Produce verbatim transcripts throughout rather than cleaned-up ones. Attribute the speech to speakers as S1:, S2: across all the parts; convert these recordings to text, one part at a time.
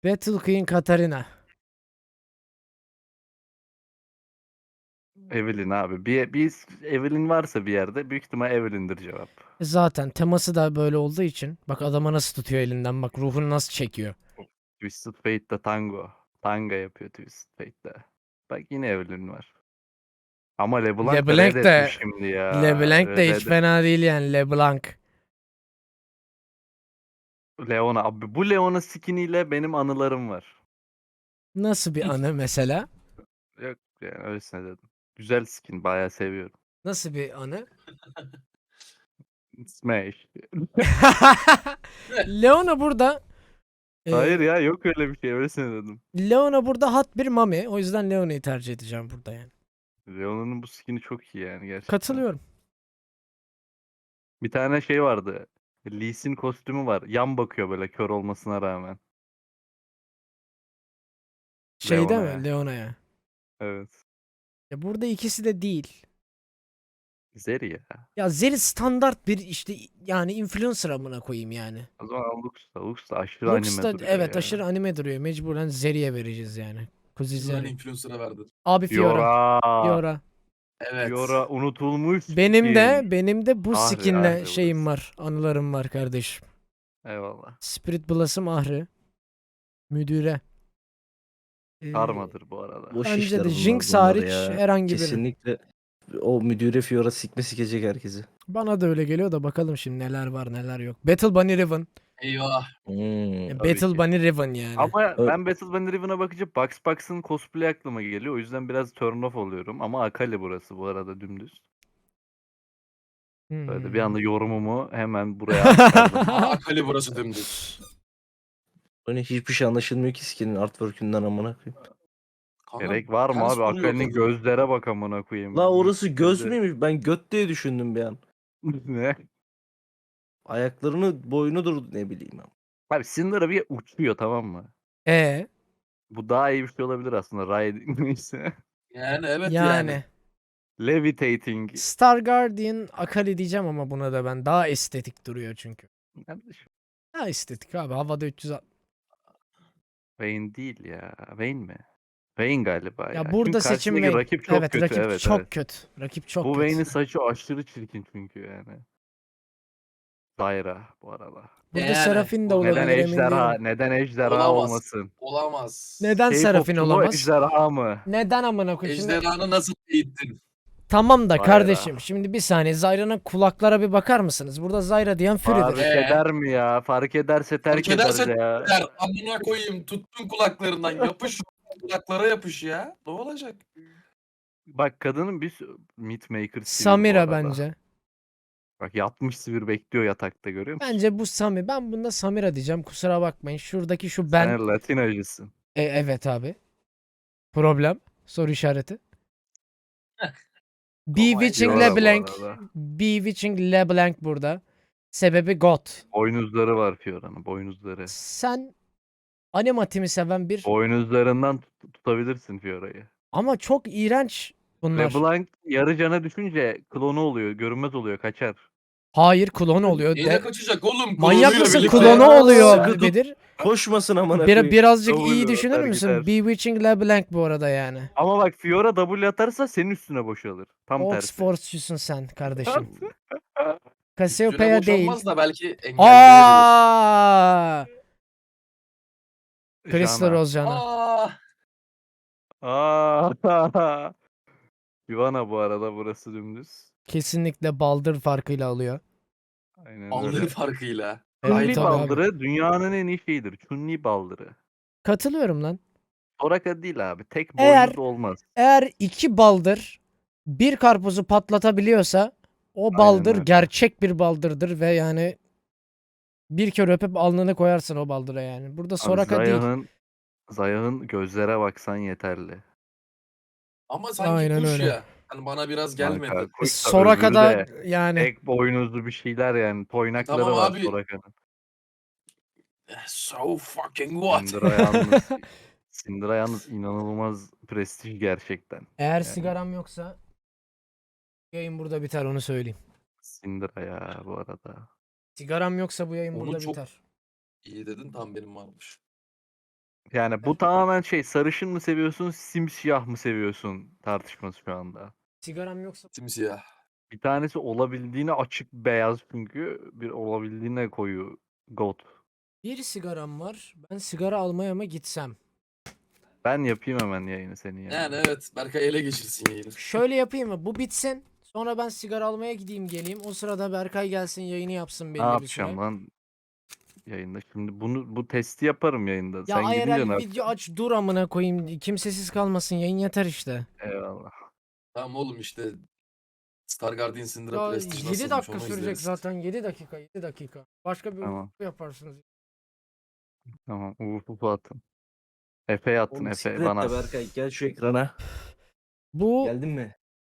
S1: Battle Queen Katarina.
S2: Evelyn abi. Bir, bir Evelyn varsa bir yerde büyük ihtimal Evelyn'dir cevap.
S1: E Zaten teması da böyle olduğu için. Bak adama nasıl tutuyor elinden. Bak ruhunu nasıl çekiyor.
S2: Twisted Fate'de tango. Tanga yapıyor Twisted Fate'de. Bak yine Evelyn var. Ama LeBlanc da Red
S1: LeBlanc de
S2: etmiş şimdi ya.
S1: LeBlanc de hiç
S2: Red,
S1: fena değil yani LeBlanc.
S2: Leona. Abi bu Leona skiniyle benim anılarım var.
S1: Nasıl bir anı mesela?
S2: Yok yani öylesine dedim. Güzel skin. Bayağı seviyorum.
S1: Nasıl bir anı?
S2: Smash.
S1: Leona burada e,
S2: Hayır ya yok öyle bir şey. Öylesine dedim.
S1: Leona burada hot bir mami. O yüzden Leona'yı tercih edeceğim burada yani.
S2: Leona'nın bu skini çok iyi yani gerçekten.
S1: Katılıyorum.
S2: Bir tane şey vardı. Lee Sin kostümü var. Yan bakıyor böyle kör olmasına rağmen.
S1: Şeyde mi?
S2: Leona'ya.
S1: Leona'ya.
S2: Evet.
S1: Ya burada ikisi de değil.
S2: Zeri ya.
S1: Ya Zeri standart bir işte yani influencer amına koyayım yani.
S2: O zaman Lux da, Lux da aşırı
S1: Lux
S2: anime
S1: da
S2: duruyor
S1: evet
S2: ya.
S1: aşırı anime duruyor. Mecburen Zeri'ye vereceğiz yani. Kuzi
S3: Güven
S1: Zeri.
S3: influencer'a verdin.
S1: Abi Fiora.
S2: Fiora.
S1: Fiora.
S3: Evet.
S2: Fiora unutulmuş
S1: Benim de
S2: skin.
S1: benim de bu
S2: Ahri,
S1: skinle
S2: Ahri
S1: şeyim
S2: burası.
S1: var. Anılarım var kardeşim.
S2: Eyvallah.
S1: Spirit Blossom Ahri. Müdüre. Ee,
S2: Karmadır bu arada.
S4: Boş
S1: bence
S4: işler
S1: de
S4: bunlar
S1: Jinx
S4: bunlar
S1: hariç
S4: ya.
S1: herhangi biri.
S4: Kesinlikle o müdüre Fiora sikme sikecek herkesi.
S1: Bana da öyle geliyor da bakalım şimdi neler var neler yok. Battle Bunny Riven.
S3: Eyvah.
S4: Hmm.
S1: Ya
S2: Tabii
S1: Battle
S2: ki.
S1: Bunny Riven yani.
S2: Ama
S4: Ö-
S2: ben Battle Banner Riven'a bakınca Bugs Bugs'ın cosplay aklıma geliyor. O yüzden biraz turn off oluyorum. Ama Akali burası bu arada dümdüz. Böyle bir
S1: Hmm.
S2: anda yorumumu hemen buraya aktardım.
S3: Aa, Akali burası dümdüz.
S4: Hani hiçbir şey anlaşılmıyor ki skinin artwork'ünden amına koyayım.
S3: Kanka,
S2: Gerek var mı
S3: ters
S2: abi?
S3: duruyor
S2: Akali'nin
S3: kadın.
S2: gözlere bak amına koyayım.
S4: La orası göz
S2: Gözde-
S4: müymüş? Ben göt diye düşündüm bir an.
S2: Ne?
S4: Ayaklarını boynudur ne bileyim ama.
S2: Abi Syndra bir uçuyor tamam mı?
S1: E
S2: Bu daha iyi bir şey olabilir aslında. Riding neyse.
S3: Yani evet yani.
S1: yani.
S2: Levitating.
S1: Star Guardian Akali diyeceğim ama buna da ben daha estetik duruyor çünkü.
S2: Kardeşim,
S1: Daha estetik abi havada üç yüz altmış.
S2: Vayne değil ya. Vayne mi? Vayne galiba ya.
S1: Ya burada
S2: Çünkü
S1: seçim
S2: karşısındaki
S1: Vayne.
S2: rakip çok
S1: Evet
S2: kötü.
S1: rakip
S2: evet
S1: çok
S2: evet.
S1: kötü. Rakip çok
S2: Bu
S1: kötü.
S2: Vayne'in saçı aşırı çirkin çünkü yani. Zyra bu arada.
S1: Burada
S3: Yani,
S1: Serafin de
S3: o-
S2: Neden
S1: olabilir emin
S2: ejderha?
S1: değilim.
S2: Neden ejderha
S3: Olamaz.
S2: olmasın?
S3: Olamaz.
S1: Neden Serafin
S2: K-popçu mu
S1: olamaz?
S2: ejderha mı?
S1: Neden amına koyayım? Şimdi
S3: Ejderhanı nasıl eğittin?
S1: tamam da
S2: Zyra.
S1: kardeşim şimdi bir saniye Zyra'nın kulaklara bir bakar mısınız? Burada Zyra diyen
S2: Fark
S1: Fury'dir.
S3: Ee?
S2: eder mi ya? Fark ederse terk
S3: Fark ederse
S2: eder ya.
S3: der. Amına koyayım. Tuttun kulaklarından. Yapış. Kulaklara yapış ya. Ne olacak?
S2: Bak kadının bir sü- Meatmaker sivil bu
S1: Samira
S2: arada.
S1: bence.
S2: Bak yatmış sivir bekliyor yatakta görüyor musun?
S1: Bence bu Sami. Ben bunda Samira diyeceğim. Kusura bakmayın. Şuradaki şu
S2: Sen
S1: ben.
S2: Latin acısın.
S1: E, evet abi. Problem. Soru işareti. Bewitching
S3: Fiora
S2: bu
S1: LeBlanc.
S2: arada.
S1: Bewitching LeBlanc burada. Sebebi God.
S2: Boynuzları var Fiora'nın boynuzları.
S1: Sen animatimi seven bir
S2: Boynuzlarından tut- tutabilirsin Fiora'yı.
S1: ama çok iğrenç bunlar.
S2: LeBlanc yarı cana düşünce klonu oluyor. Görünmez oluyor. Kaçar.
S1: Hayır klon oluyor.
S3: Neyle
S1: De...
S3: kaçacak oğlum?
S1: Manyak
S3: Klonuyla
S1: mısın?
S3: birlikte.
S1: Klonu
S4: Aa,
S1: oluyor
S4: sıkı tut.
S1: Bedir.
S4: Koşmasın amına
S1: Bir,
S4: koyayım.
S1: birazcık
S2: W
S1: iyi
S2: atar
S1: düşünür müsün?
S2: gider.
S1: Bewitching LeBlanc bu arada yani.
S2: Ama bak Fiora W atarsa senin üstüne boşalır. Tam tersi.
S1: Oxford'cusun sen kardeşim.
S3: Üstüne
S1: Cassiopeia değil.
S3: boşanmaz da belki engelleyebilir.
S1: Aa! Crystal
S2: Jana.
S1: Rose Jana.
S3: Aa,
S2: Aa. Ivana bu arada burası dümdüz.
S1: Kesinlikle Baldır farkıyla alıyor.
S2: Aynen
S3: aldığı
S2: öyle.
S3: farkıyla.
S1: Evet,
S2: Chun-Li
S1: tabii abi.
S2: baldırı dünyanın en iyi şeyidir. Chun-Li baldırı.
S1: Katılıyorum lan.
S2: Soraka değil abi. Tek
S1: Eğer-
S2: boynuz olmaz.
S1: Eğer iki baldır bir karpuzu patlatabiliyorsa o baldır
S2: öyle.
S1: gerçek bir baldırdır ve yani bir kere öpüp alnını koyarsın o baldıra yani. Burada
S2: Abi
S1: Soraka değil.
S2: Zayah'ın Zayah'ın gözlere baksan yeterli.
S3: Ama sanki
S1: Aynen
S3: kuş
S1: öyle.
S3: ya. Hani bana biraz gelmedi.
S2: Kanka,
S1: E,
S2: kuş da
S1: Soraka'da
S2: öbürü de
S1: yani
S2: tek boynuzlu bir şeyler yani. Toynakları
S3: Tamam
S2: var
S3: abi.
S2: Soraka'nın.
S3: So fucking what?
S2: Syndra yalnız, Syndra yalnız inanılmaz prestij gerçekten.
S1: eğer
S2: Yani.
S1: sigaram yoksa yayın burada biter onu söyleyeyim.
S2: Syndra ya bu arada.
S1: Sigaram yoksa bu yayın
S3: Onu
S1: burada
S3: çok-
S1: biter.
S3: İyi dedin tam benim varmış.
S2: Yani bu tamamen şey, sarışın mı seviyorsun, simsiyah mı seviyorsun tartışması şu anda.
S1: Sigaram yoksa
S3: Simsiyah.
S2: Bir tanesi olabildiğine açık beyaz çünkü bir olabildiğine koyu gold.
S1: bir sigaram var. Ben sigara almaya mı gitsem?
S2: Ben yapayım hemen yayını senin yerine.
S3: Yani evet Berkay ele geçirsin yayını.
S1: Şöyle yapayım mı? Bu bitsin. Sonra ben sigara almaya gideyim geleyim. O sırada Berkay gelsin yayını yapsın
S2: Ne
S1: belli bir süre.
S2: yapacağım lan yayında? Şimdi bunu bu testi yaparım yayında.
S1: Ya
S2: Sen gidince ne
S1: I R L
S2: yapacaksın?
S1: video aç dur amına koyayım. Kimsesiz kalmasın yayın yeter işte.
S2: Eyvallah.
S3: Tamam oğlum işte Star Guardian Syndra
S1: Ya
S3: Prestige
S1: yedi
S3: nasılmış
S1: dakika
S3: onu
S1: sürecek
S3: izleriz.
S1: zaten. yedi dakika yedi dakika. Başka bir
S2: Tamam.
S1: yaparsınız.
S2: Tamam. Ufuk Ufuk attın. Efe'ye attın.
S4: Oğlum
S2: Efe
S4: sikret
S2: bana.
S4: de Berkay gel şu ekrana.
S1: Bu
S4: Geldin mi?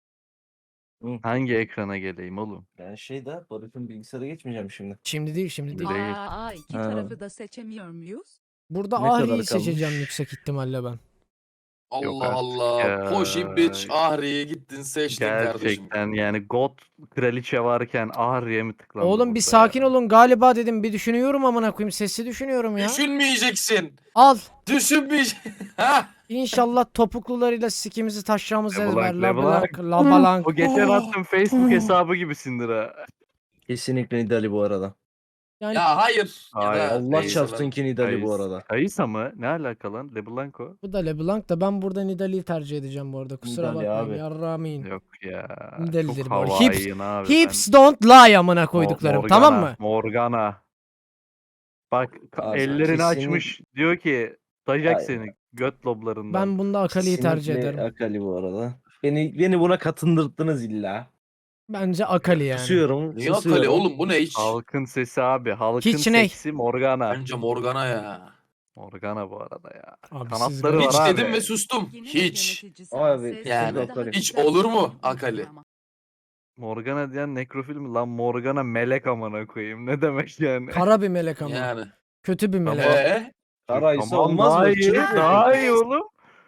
S4: Hı.
S2: Hangi ekrana geleyim oğlum?
S4: Ben şeyde Barış'ın bilgisayara geçmeyeceğim şimdi.
S1: şimdi değil şimdi değil.
S2: Değil.
S5: Aa, iki
S4: Ha.
S5: tarafı da seçemiyor muyuz?
S1: Burada
S4: Ne kadar
S1: Ahri'yi seçeceğim
S4: kalmış?
S1: yüksek ihtimalle ben.
S2: Yok
S3: Allah
S2: artık
S3: Allah.
S2: ya.
S3: Poşi bitch Ahri'ye gittin seçtin kardeşim.
S2: Gerçekten yani God kraliçe varken Ahri'ye mi tıklandı
S1: Oğlum bir
S2: burada
S1: sakin
S2: ya?
S1: olun galiba dedim bir düşünüyorum amına koyayım sesli düşünüyorum ya.
S3: Düşünmeyeceksin.
S1: Al.
S3: Düşünmeyeceksin. Ha?
S1: İnşallah topuklularıyla sikimizi taşacağımız
S2: Leblanc,
S1: ezber.
S2: Leblanc.
S1: Lablanc, Labalanc.
S2: O geçen
S3: Oh.
S2: attığım Facebook hesabı gibisindir ha.
S4: Kesinlikle Nidali bu arada.
S1: Yani
S3: Ya hayır. Ya
S2: Hayır,
S3: da
S4: Allah
S3: neyse
S4: çarpsın
S3: ben-
S4: ki Nidali bu
S2: Kayıs-
S4: arada.
S2: Kayısa mı? Ne alaka lan? LeBlanc o?
S1: bu da LeBlanc da ben burada Nidalee'yi tercih edeceğim bu arada. Kusura
S4: Nidale
S1: bakmayın.
S4: abi.
S1: Yarramayın.
S2: Yok ya.
S1: Nidalee'dir
S2: Çok
S1: bu arada.
S2: Hawaiian abi.
S1: Hips don't lie amına
S2: ben...
S1: koyduklarım.
S2: Mo-
S1: Tamam
S2: Morgana,
S1: mı?
S2: Morgana. Bak ka-
S4: Abi,
S2: ellerini
S4: kesin-
S2: açmış. Diyor ki dayayacak
S4: Aynen.
S2: seni göt loblarından.
S1: Ben bunda Akali'yi tercih
S4: Kesinlikle
S1: ederim.
S4: Akali bu arada. Beni beni buna katındırdınız illa.
S1: Bence Akali yani.
S4: Susuyorum.
S3: Niye
S4: susuyorum.
S3: Akali oğlum bu ne hiç?
S2: Halkın sesi abi. Halkın
S1: Hiç ne?
S2: seksi Morgana.
S3: Bence Morgana ya.
S2: Morgana bu arada ya.
S1: Abi siz
S2: Kanatları
S1: gayet-
S2: var
S3: Hiç
S2: abi.
S3: dedim ve sustum.
S5: Yine
S3: Hiç.
S5: yöneticisi
S4: Abi,
S5: Ases
S3: yani
S5: daha
S4: Akali.
S3: hiç
S5: güzel
S3: olur mu
S5: bir
S3: Akali?
S5: ama.
S2: Morgana diyen nekrofil mi? Lan Morgana melek amına koyayım. Ne demek yani?
S1: Kara bir melek ama.
S3: Yani.
S1: Kötü bir melek.
S3: Eee?
S4: Karaysa
S2: Tamam,
S4: olmaz
S2: daha
S4: mı?
S2: iyi,
S4: Çilek mi?
S2: daha iyi oğlum.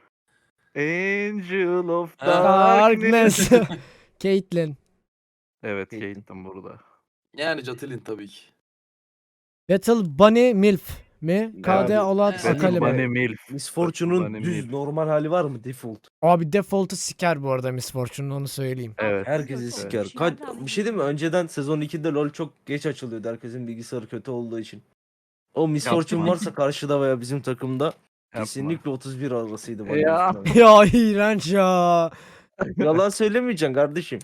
S2: Angel of
S3: Ha.
S2: Darkness.
S1: Darkness. Caitlyn.
S2: Evet,
S4: Caitlyn.
S2: Caitlyn burada.
S3: Yani Jatilin tabii ki.
S1: Battle Bunny Milf mi? K D
S4: Abi,
S1: Alat
S3: evet.
S2: Battle
S1: Akali mi?
S2: Bunny Milf.
S4: Miss
S2: Battle
S4: Fortune'un
S2: Bunny
S4: düz
S2: Milf.
S4: normal hali var mı? Default.
S1: Abi default'u siker bu arada Miss Fortune'un onu söyleyeyim.
S2: Evet.
S4: Herkesi
S5: Evet.
S4: siker.
S5: Evet.
S4: Kaç, bir şey değil mi? Önceden sezon ikide LoL çok geç açılıyordu. Herkesin bilgisayarı kötü olduğu için. O Miss
S2: Yapma.
S4: Fortune varsa karşıda veya bizim takımda
S2: Yapma.
S4: kesinlikle otuz bir arasıydı. bana
S2: Ya.
S4: göre.
S1: Ya iğrenç ya.
S4: Yalan söylemeyeceksin kardeşim.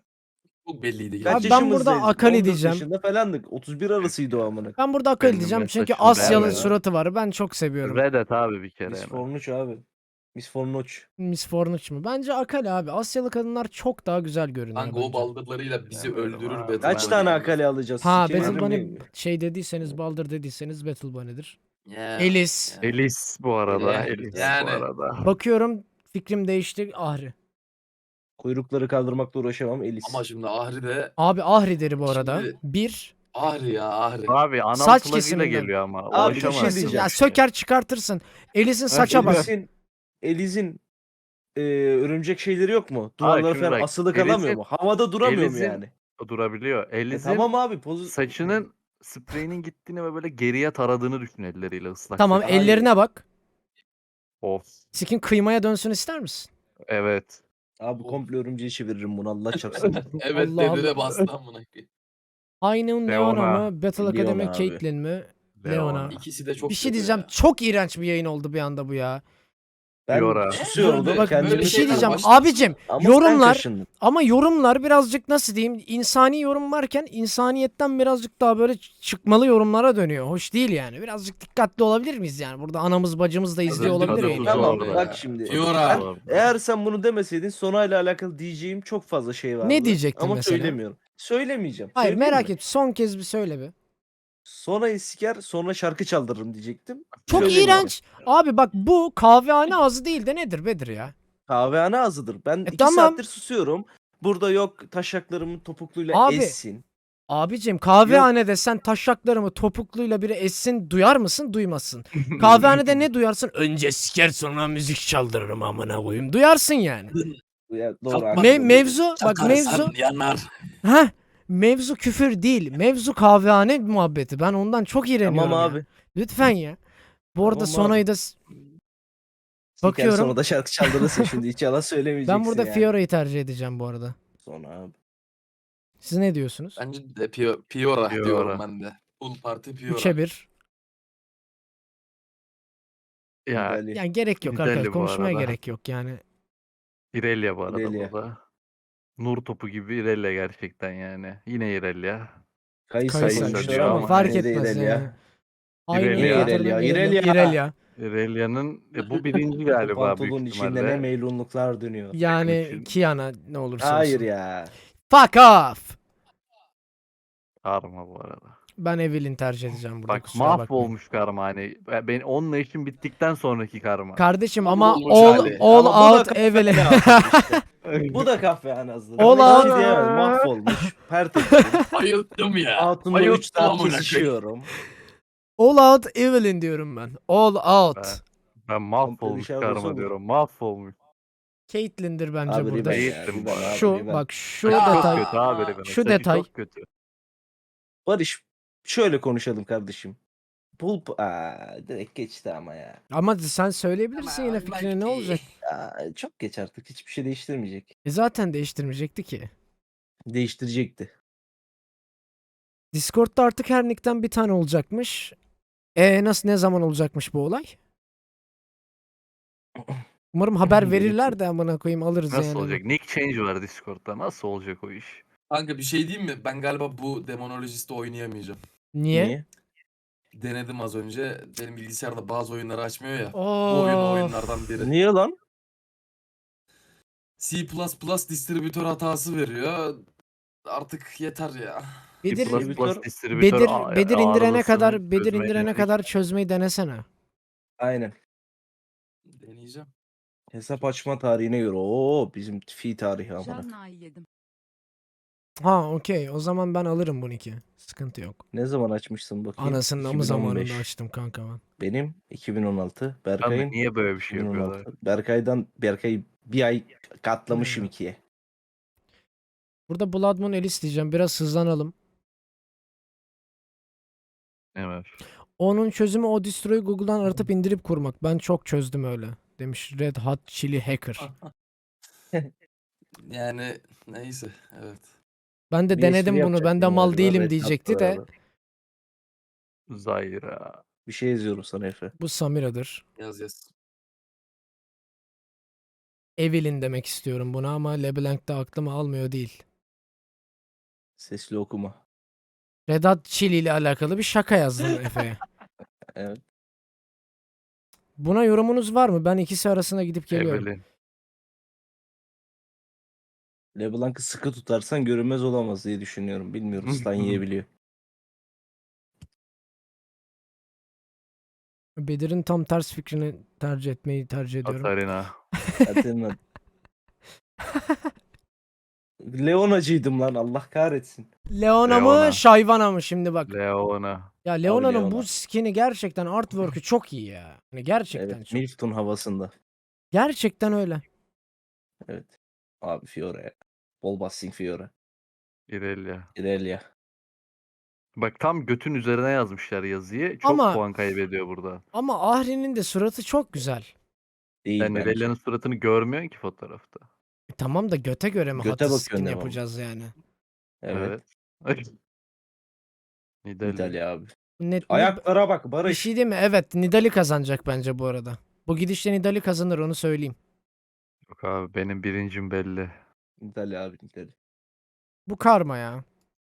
S3: Çok belliydi.
S4: Kaç
S1: Abi ben
S3: gerçekten.
S1: burada
S4: yaşımızdayız?
S1: Akali
S4: on dört
S1: diyeceğim.
S4: yaşında falandık. otuz bir arasıydı o amına.
S1: Ben burada Akali
S2: Benim
S1: diyeceğim çünkü
S2: mesajım
S1: Asyalı
S2: vermeden.
S1: suratı var. Ben çok seviyorum.
S2: Reddit abi bir kere.
S4: Miss
S2: hemen.
S4: Fornuç abi. Miss Fornuç.
S1: Miss Fortune mu? Bence Akali abi. Asyalı kadınlar çok daha güzel görünüyor
S3: Kanka o
S1: bence.
S3: baldırlarıyla bizi
S2: Ya böyle
S3: öldürür
S2: var.
S3: Battle
S4: Kaç
S3: Bunny
S4: tane
S3: yani.
S4: Akali alacağız?
S1: Ha
S4: Sikerim
S1: Battle Bunny
S4: mi?
S1: şey dediyseniz Baldır dediyseniz Battle Bunny'dir.
S3: Ya.
S1: Elis.
S3: Ya.
S2: Elis bu arada.
S3: Yani-
S2: Elis
S3: yani-
S2: bu arada.
S1: Bakıyorum fikrim değişti. Ahri.
S4: Kuyrukları kaldırmakla uğraşamam. Elis.
S3: Ama şimdi Ahri de
S1: Abi Ahri deri bu arada.
S3: Şimdi-
S1: Bir.
S3: Ahri ya Ahri.
S2: Abi anal
S1: Saç
S2: plug'ıyla
S1: kesiminden.
S2: geliyor ama.
S4: Abi, bir şey
S2: Ulaşamaz.
S4: diyeceğim.
S1: Ya söker çıkartırsın. Elis'in
S2: Ha,
S1: saça bak.
S4: Elis'in, Elis'in e, örümcek şeyleri yok mu? Duvarlara
S2: şimdi
S4: falan
S2: bak,
S4: asılı
S2: Elis'in-
S4: kalamıyor mu? Havada duramıyor mu
S2: Elis'in-
S4: yani?
S2: O durabiliyor.
S4: E,
S2: Elis'in
S4: tamam abi. Pozu...
S2: saçının spreyinin gittiğini ve böyle geriye taradığını düşün elleriyle ıslak.
S1: Tamam
S2: saç.
S1: ellerine bak.
S2: Of.
S1: Skin kıymaya dönsün ister misin?
S2: Evet.
S4: Abi komple örümceği çeviririm bunu Allah çarpsın.
S3: Evet
S1: Allah
S3: dedi
S1: Allah.
S3: de bastı amına koyayım.
S1: Aynı Leona
S2: Leona.
S1: mı? Battle
S4: Leona
S1: Academy
S4: abi.
S1: Caitlyn mi? Leona.
S2: Leona.
S3: İkisi de çok
S1: Bir şey
S3: kötü
S1: diyeceğim.
S3: ya.
S1: Çok iğrenç bir yayın oldu bir anda bu ya.
S4: Ben
S2: Fiora.
S4: susuyorum da
S3: Bak,
S4: kendimi
S3: böyle
S1: Bir şey
S3: şeyler
S1: diyeceğim.
S3: başlasın.
S1: Abicim
S4: Ama sen
S1: yorumlar
S4: kaşındın.
S1: ama yorumlar birazcık nasıl diyeyim? İnsani yorum varken insaniyetten birazcık daha böyle çıkmalı yorumlara dönüyor. Hoş değil yani. Birazcık dikkatli olabilir miyiz yani? Burada anamız bacımız da izliyor
S3: Tadı
S1: olabilir
S3: tuzu
S1: yayını.
S4: Tamam
S3: orada
S4: bak
S3: ya.
S4: şimdi.
S3: Fiora.
S4: Ben- eğer sen bunu demeseydin Sonay'la alakalı diyeceğim çok fazla şey vardı.
S1: Ne diyecektin
S4: Ama
S1: mesela?
S4: söylemiyorum. Söylemeyeceğim.
S1: Hayır
S4: Söyleyeyim
S1: merak
S4: mi?
S1: et. Son kez bir söyle bir.
S4: Sonra'yı siker sonra şarkı çaldırırım diyecektim.
S1: Çok
S4: Söylemiyorum.
S1: iğrenç. Abi bak bu kahvehane ağzı değil de nedir Bedir ya?
S4: Kahvehane ağzıdır. Ben iki
S1: tamam.
S4: saattir susuyorum. Burada yok taşaklarımı topukluyla
S1: Abi,
S4: essin.
S1: Abicim kahvehanede sen taşaklarımı topukluyla biri essin duyar mısın? Duymazsın. Kahvehanede ne duyarsın? Önce siker sonra müzik çaldırırım amına koyayım. Duyarsın yani.
S4: Ya, doğru,
S3: Çakmak
S4: haklı.
S1: Me- mevzu bak
S3: Çakarsan
S1: mevzu
S3: yanar.
S1: Heh, mevzu küfür değil. Mevzu kahvehane muhabbeti. Ben ondan çok iğreniyorum.
S4: Tamam
S1: ya.
S4: abi.
S1: Lütfen ya. Bu arada
S4: Tamam abi.
S1: Sona'yı da s-
S4: Bakıyorum.
S1: bakıyorum.
S4: Sonra da şarkı çaldırırsın şimdi. Hiç yalan söylemeyeceksin
S1: Ben burada
S4: yani.
S1: Fiora'yı tercih edeceğim bu arada.
S4: Sonra abi.
S1: Siz ne diyorsunuz?
S3: Bence de Pio- Piora,
S2: Piora.
S3: diyorum ben de. Full parti Piora.
S1: üçe bir.
S2: Ya
S4: Nidali.
S1: Yani gerek yok
S2: Nidali
S1: arkadaşlar.
S2: bu
S1: Konuşmaya
S2: arada.
S1: gerek yok yani.
S2: İrelia bu arada
S4: İrelia.
S2: burada. Nur topu gibi İrelia gerçekten yani. Yine İrelia.
S4: Kayısa
S1: Kayısa
S2: Kayısa
S4: koymuşlar
S2: diyor
S1: ama
S2: ama
S1: fark
S4: yine de
S1: etmez
S4: İrelia.
S1: yani. Aynı
S2: İrelia.
S1: yatırdım
S4: İrelia,
S1: İrelia.
S4: İrelia.
S1: İrelia.
S2: İrelia'nın e, bu birinci
S4: O
S2: galiba büyük
S4: pantolonun içinde ne
S2: ihtimalle.
S4: meylunluklar dönüyor.
S1: Yani
S2: için.
S1: Kiana ne olursa
S4: Hayır
S1: olsun.
S4: ya.
S1: Fuck off.
S2: Karma bu arada.
S1: Ben Evelyn tercih edeceğim burada.
S2: Bak
S1: Kusura bakmayın.
S2: mahvolmuş karma hani. Ben onunla işim bittikten sonraki karma.
S1: Kardeşim ama
S3: Mahvolmuş
S1: all,
S3: hali.
S1: all
S4: Ama bu da
S1: out
S4: kahve
S1: Evelyn.
S4: azlığı işte. Bu da kahve azlığı.
S1: Ol
S4: Bunu
S1: al.
S4: hiç diyemem. Mahvolmuş. Pertektim.
S3: Bayıldım ya.
S4: Hatunla
S3: Bayıldım
S4: üç saat
S3: amına koyayım.
S4: kesişiyorum.
S1: All out Evelyn diyorum ben. All out.
S2: Ben, ben mahvolmuş
S4: dışarı
S2: karma
S4: olsa bu.
S2: diyorum. Mahvolmuş.
S1: Caitlyn'dir bence
S4: Abi
S1: burada.
S4: Riven
S2: Değil.
S4: ya.
S2: Değilsin
S4: Riven
S2: bu arada.
S4: abi,
S1: Şu
S4: Riven.
S1: bak şu
S2: Saçı çok
S1: detay.
S2: kötü abi Riven'in.
S1: Şu
S2: Saçı
S1: detay.
S2: çok kötü.
S4: Barış şöyle konuşalım kardeşim. Pulp aa, direkt geçti ama ya.
S1: Ama sen söyleyebilirsin yine
S3: Ama
S1: fikrini ne
S3: belki-
S1: olacak?
S4: Aa, çok geç artık. Hiçbir şey değiştirmeyecek.
S1: E zaten değiştirmeyecekti ki.
S4: Değiştirecekti.
S1: Discord'da artık her nickten bir tane olacakmış. E nasıl ne zaman olacakmış bu olay? Umarım haber verirler de amına koyayım alırız
S2: Nasıl
S1: yani.
S2: olacak? Nick change var Discord'da. Nasıl olacak o iş?
S3: Kanka bir şey diyeyim mi? Ben galiba bu Demonologist'i oynayamayacağım.
S1: Niye?
S4: Niye?
S3: Denedim az önce. Benim bilgisayarda bazı oyunları açmıyor ya. Bu
S1: Of.
S3: oyun o oyunlardan biri.
S4: Niye lan?
S3: C++ distribütör hatası veriyor. Artık yeter ya.
S1: Bedir,
S2: Plus
S4: Distribütör-
S2: Plus distribütör
S1: Bedir,
S2: a-
S1: Bedir indirene
S2: arızasını
S1: kadar Bedir
S2: çözmeye
S1: indirene
S2: yönelik.
S1: kadar çözmeyi denesene.
S4: Aynen.
S3: Deneyeceğim.
S4: Hesap açma tarihine göre. Oo bizim fi tarihi amına.
S5: Janna'yı yedim.
S1: Ha okey. O zaman ben alırım bu nick'i. Sıkıntı yok.
S4: Ne zaman açmışsın bakayım?
S1: Anasının amı
S4: iki bin on beş.
S1: zamanında açtım kanka ben.
S4: Benim iki bin on altı.
S2: Abi
S4: Berkay'ın
S2: niye böyle bir şey
S4: iki bin on altı.
S2: yapıyorlar?
S4: Berkay'dan Berkay'ı bir ay katlamışım
S1: Hmm.
S4: ikiye.
S1: Burada Blood Moon Alice diyeceğim. Biraz hızlanalım.
S2: Evet.
S1: Onun çözümü o distroyu Google'dan aratıp indirip kurmak. Ben çok çözdüm öyle. Demiş Red Hot Chili Hacker.
S3: Yani neyse evet.
S1: Ben de
S4: Bir
S1: denedim
S4: espri
S1: bunu. Ben de
S4: yapacaktım
S1: mal
S4: galiba,
S1: değilim
S4: Red
S1: diyecekti
S4: Hat'la
S1: de.
S4: beraber.
S2: Zayra.
S4: Bir şey yazıyorum sana Efe.
S1: Bu Samira'dır.
S3: Yaz yaz.
S1: Evelyn demek istiyorum buna ama LeBlanc'da aklıma almıyor değil.
S4: Sesli okuma.
S1: Red Hot Chili ile alakalı bir şaka yazdım Efe'ye.
S4: Evet.
S1: Buna yorumunuz var mı? Ben ikisi arasına gidip geliyorum.
S2: Evelyn.
S4: LeBlanc'ı sıkı tutarsan görünmez olamaz diye düşünüyorum. Bilmiyorum. Stan yiyebiliyor.
S1: Bedir'in tam ters fikrini tercih etmeyi tercih ediyorum.
S2: Katarina.
S4: Katerina. Leonacıydım lan Allah kahretsin.
S1: Leona mı
S2: Leona.
S1: Shyvana mı şimdi bak.
S2: Leona.
S1: Ya Leona'nın bu
S4: Leona.
S1: skin'i gerçekten artwork'ü çok iyi ya. Hani gerçekten
S4: Evet.
S1: çok.
S4: Milton havasında.
S1: Gerçekten öyle.
S4: Evet. Abi Fiora ya. Bol basting Fiora.
S2: İrelia.
S4: Irelia.
S2: Bak tam götün üzerine yazmışlar yazıyı. Çok
S1: Ama-
S2: puan kaybediyor burada.
S1: Ama Ahri'nin de suratı çok güzel.
S4: Değil
S2: Sen
S4: bence.
S2: İrelia'nın suratını görmüyorsun ki fotoğrafta.
S1: E tamam da göte göre mi
S4: Göte
S1: hatı
S4: bakıyorsun
S1: skin
S4: devamlı.
S1: yapacağız yani?
S4: Evet.
S2: Evet. Nidali.
S4: İtalya abi.
S1: Net,
S4: Ayaklara bak
S1: bir
S4: Barış.
S1: şey değil mi? Evet, Nidali kazanacak bence bu arada. Bu gidişle Nidali kazanır onu söyleyeyim.
S2: Yok abi benim birincim belli.
S4: İtalya abi İtalya.
S1: Bu karma ya.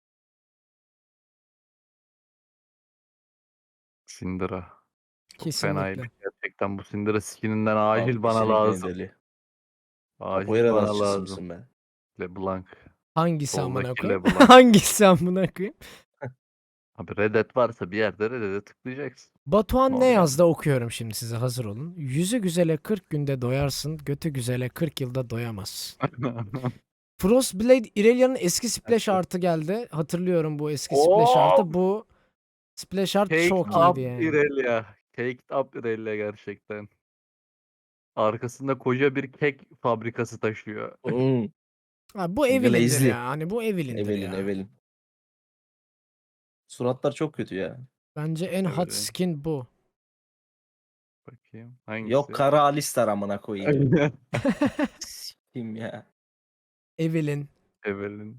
S2: Syndra. Çok
S1: Kesinlikle.
S2: fenaymış gerçekten bu Syndra skininden acil
S4: Abi
S2: bana
S4: kesinlikle
S2: lazım.
S4: İtalya.
S2: Acil
S4: Capoeira
S2: bana
S4: dansçısı
S2: lazım.
S4: mısın be?
S2: LeBlanc.
S1: Hangisi amına
S2: Soldaki
S1: koyayım?
S2: LeBlanc.
S1: Hangisi amına koyayım?
S2: Abi Reddit varsa bir yerde Reddit'e tıklayacaksın.
S1: Batuhan ne
S2: Normal.
S1: yazdı okuyorum şimdi size hazır olun. Yüzü güzele kırk günde doyarsın, götü güzele kırk yılda doyamaz. Frostblade Irelia'nın eski splash
S4: Evet.
S1: artı geldi. Hatırlıyorum bu eski splash artı. Bu splash art
S2: Caked
S1: çok
S2: up
S1: iyiydi yani.
S2: Irelia. Caked up Irelia gerçekten. Arkasında koca bir kek fabrikası taşıyor.
S4: Hmm.
S1: Ha, bu Evelyn'dir
S4: Glazely.
S1: ya. Hani bu Evelyn'dir
S4: Evelyn
S1: ya.
S4: Evelyn. Suratlar çok kötü ya.
S1: Bence en hot
S2: Evet.
S1: skin bu.
S2: Bakayım. Hangisi?
S4: Yok Kara Alistar amına koyayım. Kim ya?
S1: Evelyn,
S2: Evelyn.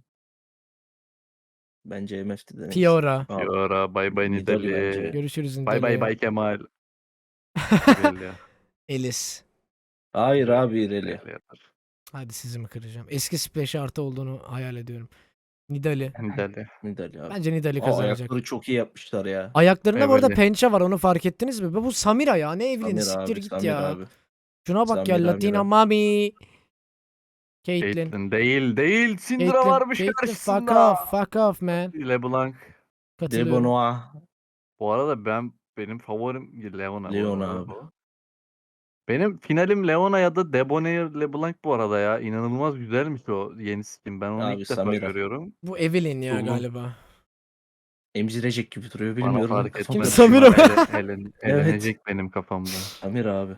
S4: Bence M F'ti de neyse.
S1: Fiora.
S4: Aa,
S2: Fiora. Bay bay
S4: Nidalee
S2: Nidalee.
S4: bence.
S1: Görüşürüz
S2: Bay bay
S1: Nidalee.
S2: bay Kemal. Belli.
S1: Elis.
S4: Hayır abi İreli.
S2: Bellidir.
S1: Hadi sizi mi kıracağım? Eski splash artı olduğunu hayal ediyorum. Nidalee.
S2: Nidalee.
S4: Nidalee abi.
S1: Bence Nidalee
S4: Aa,
S1: kazanacak.
S4: ayakları çok iyi yapmışlar ya.
S1: Ayaklarında bu arada
S2: Evelyn.
S1: pençe var, onu fark ettiniz mi? Bu Samira ya, ne Evelyn'i,
S4: Samir
S1: siktir
S4: abi,
S1: git
S4: Samir
S1: ya.
S4: abi.
S1: Şuna bak ya,
S4: Samira,
S1: Latina
S4: Mira.
S1: Mami. Caitlyn.
S2: Caitlyn değil değil. Syndra
S1: Caitlyn,
S2: varmış
S1: Caitlyn, fuck
S2: karşısında.
S1: off, fuck off man.
S2: LeBlanc.
S1: Katılıyorum.
S4: Debonoa.
S2: Bu arada ben benim favorim Leona. bu
S4: Leona
S2: arada
S4: abi.
S2: bu. Benim finalim Leona ya da Debonair LeBlanc bu arada ya. İnanılmaz güzelmiş o yeni skin. Ben onu
S4: Abi,
S2: ilk defa
S4: Samira.
S2: görüyorum.
S1: Bu Evelyn ya
S2: Oğlum.
S1: galiba.
S4: Emzirecek gibi duruyor
S2: Bana
S4: bilmiyorum.
S2: fark
S4: Kafam-
S2: etmez.
S1: Samira mı?
S2: Ele- elen-
S4: Evet.
S2: Elenecek benim kafamda.
S4: Samir abi.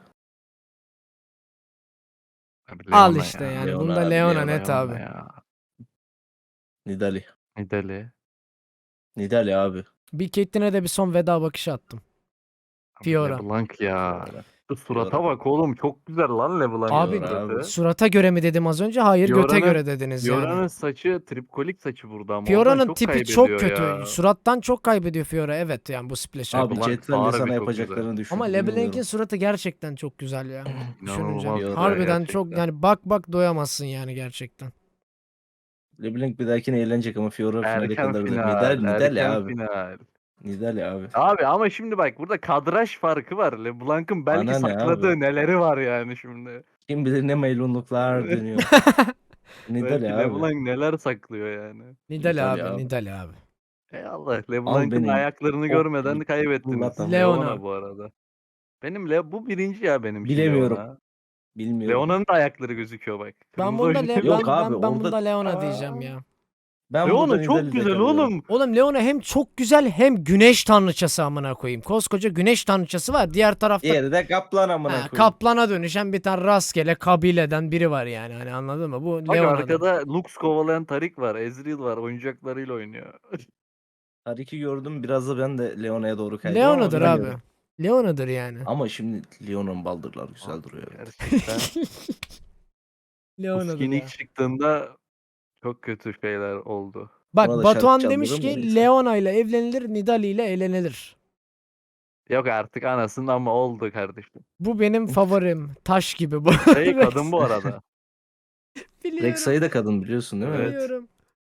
S2: Abi
S1: Al
S2: Leona
S1: işte
S2: ya.
S1: yani.
S4: Leona
S1: Bunda
S4: abi,
S1: Leona
S4: Leona
S1: net
S2: Leona
S1: abi.
S2: ya.
S4: Nidalee.
S2: Nidalee.
S4: Nidalee abi.
S1: Bir Caitlyn'e de bir son veda bakışı attım.
S2: Abi
S1: Fiora.
S2: LeBlanc ya.
S4: Fiora.
S2: Şu surata
S4: Fiora.
S2: bak oğlum. Çok güzel lan LeBlanc'ın
S1: Abi,
S2: suratı.
S1: Surata göre mi dedim az önce? Hayır, göte
S2: Fiora'nın-
S1: göre dediniz
S2: Fiora'nın
S1: yani.
S2: saçı tripkolik saçı burada ama
S1: Fiora'nın
S2: oradan çok
S1: tipi çok
S2: kaybediyor
S1: kötü.
S2: ya.
S1: Surattan çok kaybediyor Fiora. Evet yani bu splash
S4: Abi
S2: LeBlanc
S4: Cetvel'le
S2: harbi
S4: sana
S2: çok
S4: yapacaklarını düşün.
S1: Ama
S4: bilmiyorum.
S1: LeBlanc'in suratı gerçekten çok güzel ya. Düşününce.
S2: İnanılmaz
S4: güzel
S1: Harbiden çok
S2: gerçekten.
S1: yani, bak bak doyamazsın yani gerçekten.
S4: LeBlanc bir dahakine eğlenecek ama Fiora finale
S2: Erken
S4: kadar da.
S2: final.
S4: Nidalee, Nidalee
S2: erken
S4: abi.
S2: final.
S4: Nidalee abi.
S2: Abi ama şimdi bak burada kadraj farkı var. LeBlanc'ın belki
S4: Bana ne
S2: sakladığı
S4: abi?
S2: neleri var yani şimdi.
S4: Kim bilir ne meylunluklar dönüyor. Nidalee
S2: Belki
S4: abi.
S2: LeBlanc neler saklıyor yani.
S1: Nidalee abi,
S4: Nidalee abi.
S1: Nidalee abi.
S2: Ey Allah, LeBlanc'ın
S4: beni.
S2: ayaklarını
S4: Çok
S2: görmeden
S4: iyi
S2: kaybettiniz.
S4: fırlatan.
S1: Leona.
S2: Leona bu arada. Benim Le bu birinci ya benim için
S4: Bilemiyorum.
S2: Leona.
S4: Bilmiyorum.
S2: Leona'nın da ayakları gözüküyor bak.
S1: Ben
S2: Kırmızı
S1: bunda
S2: oyuncu.
S1: Le- ben,
S4: Yok
S1: ben,
S4: abi,
S1: ben
S4: orada-
S1: bunda Leona
S2: Aa.
S1: diyeceğim ya.
S4: Ben burada
S2: Leona çok
S4: Nidalee'de
S2: güzel
S4: kalıyorum.
S2: oğlum.
S1: Oğlum Leona hem çok güzel hem güneş tanrıçası amına koyayım. Koskoca güneş tanrıçası var. Diğer tarafta
S4: Diğeri de kaplan amına
S1: ha,
S4: koyayım.
S1: kaplana dönüşen bir tane rastgele kabileden biri var yani. Hani anladın mı? Bu
S2: Bak
S1: Leona'da.
S2: arkada Lux kovalayan Tarik var. Ezreal var. Oyuncaklarıyla oynuyor.
S4: Tarik'i gördüm, biraz da ben de Leona'ya doğru kaydım.
S1: Leona'dır
S4: ama
S1: abi.
S4: bilmiyorum.
S1: Leona'dır yani.
S4: Ama şimdi Leona'nın baldırları güzel duruyor.
S2: Gerçekten. Bu
S1: Leona'dır
S2: skin
S1: ya.
S2: ilk çıktığında çok kötü şeyler oldu.
S1: Bak
S4: Ona da
S1: Batuhan
S4: şarkı
S1: demiş
S4: çaldırırım da
S1: ki
S4: neyse.
S1: Leona ile evlenilir, Nidalee ile eğlenilir.
S2: Yok artık anasının ama oldu kardeşim.
S1: Bu benim favorim. Taş gibi bu.
S2: Şey kadın bu arada.
S1: Biliyorum.
S4: Rexa'yı da kadın biliyorsun değil mi?
S2: Evet.
S1: Biliyorum.